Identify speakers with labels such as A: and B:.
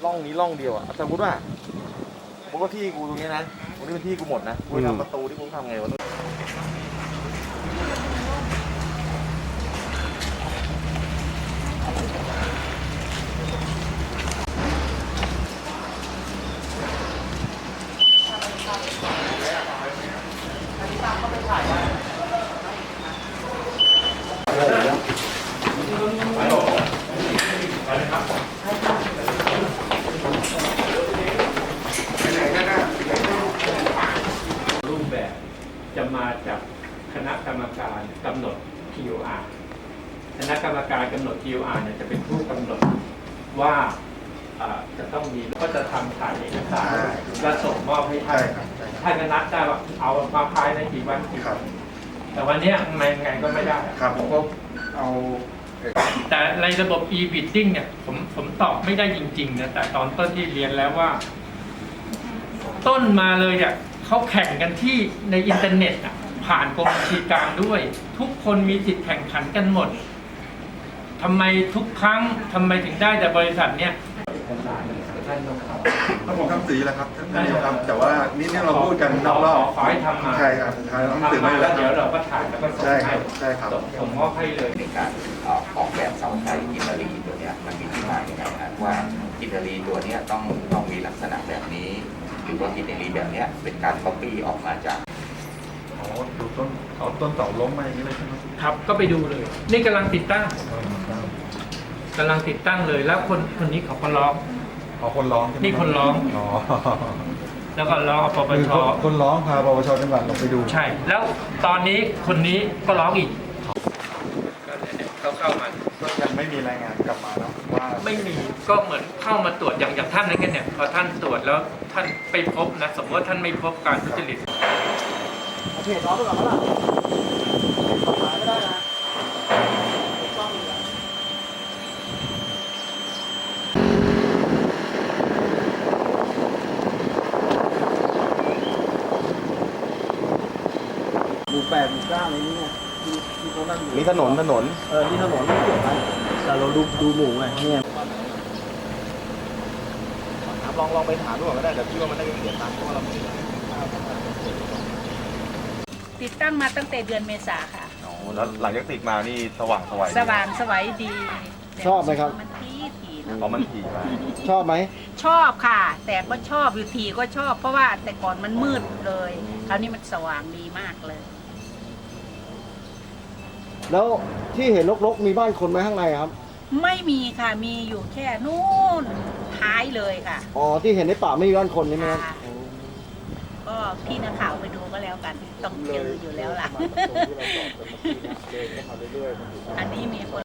A: ร่องนี้ร่องเดียวอ่ะสมมติว่าที่กูตรงนี้นะตรงนี้เป็นที่กูหมดนะกูทำประตูที่กูทำไงวะ
B: รูปแบบจะมาจากคณะกรรมการกำหนด TOR คณะกรรมการกำหนด TOR เนี่ยจะเป็นผู้กำหนดว่าจะต้องมีก็จะทำถ่ายเอกสารและส่งมอบให้ท่านท่านก็นัดได้ว่าเอามาภายในกี่วันแต่วันนี้ไงก็ไม่ได้
A: ครับผมก็เอา
B: แต่ในระบบ e-bidding เนี่ยผมตอบไม่ได้จริงๆนะแต่ตอนต้นที่เรียนแล้วว่าต้นมาเลยเนี่ยเขาแข่งกันที่ในอินเทอร์เน็ตอ่ะผ่านกรมบัญชีกลางด้วย ทุกคนมีสิทธิ์แข่งขันกันหมดทำไมทุกครั้งทำไมถึงได้แต่บริษัทเนี่ย
C: ถ้าผมทำสีแหละครับท่านนายกครับแต่ว่านี่เราพูดกันนอกรอบ
B: ขอให้ทำมา
C: ใช่ครับสุดท้ายเราต้องสื่อ
B: มา
C: ไม่
B: แล้
C: แล้ว ว
B: เดี๋ยวเราก็ถ่ายแล้วก็ส่งให้
C: ใช่ครับ
B: ส่งมอบให้เลย
D: ในการออกแบบเสาไฟอิตาลีตัวนี้มันมีที่มาอย่างไรนะว่าอิตาลีตัวนี้ต้องมีลักษณะแบบนี้ หรือว่าอิตาลีแบบนี้เป็นการก๊อปปี้ออกมาจาก
C: ดูต้นเสาล้มมาอย่างนี้เลยใช่ไหม
B: ครับก็ไปดูเลย นี่กำลังติดตั้งเลยแล้วคนนี้เขาก็ร้อง
C: คนร้อง
B: นี่คนร้องแล้วก็ร้องปปช
C: คนร้องพาปปชจังหวัดลงไปดู
B: ใช่แล้วตอนนี้คนนี้ก็ร้องอีกเข้ามา
C: ก็ยังไม่มีรายงานกลับมาเนาะว่า
B: ไม่มีก็เหมือนเข้ามาตรวจอย่างท่านนั้นเนี่ยพอท่านตรวจแล้วท่านไปพบนะสมมติว่าท่านไม่พบการทุจริต
A: เพจร้องไปก่อนแล้วล่ะขายไม่ได้นะหมู่ 8 หมู่ 9อะไรนี้เนี่ยที่เขานั่งอยู่นี่ถนนนี่ถนนไม่เกี่ยวกันแต่เราดูหมู่ไงเนี่ยลองไปถามดูก่อนก็ได้แต่พี่ว่ามันได้เสียตังค์เพราะว่าเราไม่ได้
E: ติดตั้งมาตั้งแต่เดือนเมษาค่ะ
A: แล้วหลังจากติดมานี่สว่างส
E: วยดี
A: ชอบไหมครับ
E: มันถี่
A: นะมันถี่มากชอบไหม
E: ชอบค่ะ แต่ก็ชอบอยู่ถี่ก็ชอบเพราะว่าแต่ก่อนมันมืดเลยคราวนี้มันสว่างดีมากเลย
A: แล้วที่เห็นรกๆมีบ้านคนไหมข้างในครับ
E: ไม่มีค่ะมีอยู่แค่นู่นท้ายเลยค่ะ
A: อ๋อที่เห็นในป่าไม่มีบ้านคนใช่ไหมครับ
E: ก็พี่นักข่าวไปดูก็แล้วกันต้องเจออยู่แล้วล่ะอันนี้มีคน